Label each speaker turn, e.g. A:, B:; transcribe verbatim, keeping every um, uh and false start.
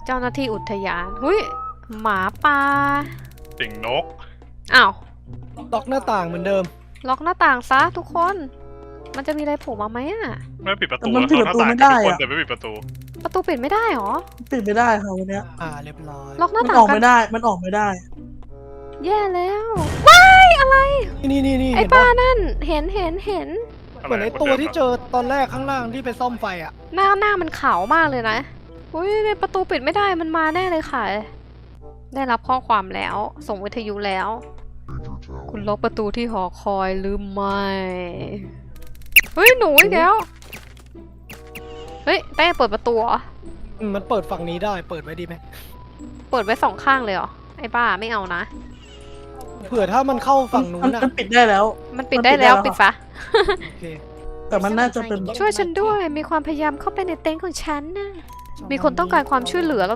A: เจ้าหน้าที่อุทยานหุยหมาป่า
B: สิงนก
A: อ้าว
C: ล็อกหน้าต่างเหมือนเดิม
A: ล็อกหน้าต่างซะทุกคน มันจะมีอะไรโผล่มาไหมอะ
B: ไม่ปิดประตู
D: แต่มันปิดประตูไม่ได้
B: ทุกคน
D: อะ
B: แต่ไม่ปิดประตู
A: ประตูปิดไม่ได้หรอ
D: ปิดไม่ได้ค่ะวันเนี้ย
C: อ่าเรียบร้อย
A: ล็อกหน้า
D: มัน
A: ต่า
D: อง อก
A: กั
D: ไม่
A: น
D: ได้ มันออกไม่ได้
A: แย่แล้วว้ายอะไร
C: นี่นี่นี่
A: ไอ้
C: เห็น
A: ป้า
C: ปะ
A: นั่นเห็นเห็นเห็น
C: เหมือนไอ้ตัวที่เจอตอนแรกข้างล่างที่ไปซ่อมไฟอ่ะ
A: หน้าหน้ามันขาวมากเลยนะอุ้ยในประตูปิดไม่ได้มันมาแน่เลยค่ะ ได้รับข้อความแล้ว ส่งวิทยุแล้ว คุณล็อกประตูที่หอคอยหรือไม่เฮ้ยหนูอีกแล้วเฮ้ยแป้งเปิดประตูเหรอ
C: อืมมันเปิดฝั่งนี้ได้เปิดไว้ดีไหม
A: เปิดไว้สองข้างเลยเหรอไอ้บ้าไม่เอานะ
C: เผื่อถ้ามันเข้าฝั่งนู้
D: มัน
C: นนะ
D: มันปิดได้แล้ว
A: มันปิดได้แล้ว
D: มันปิ
A: ปิด
D: ดได้แล้ว
A: ซะ
C: โอเค
D: แต่มันน่าจะเป็น
A: ช่วยฉันด้วยมีความพยายามเข้าไปในเต็นท์ของฉันนะมีคนต้องการความช่วยเหลือเรา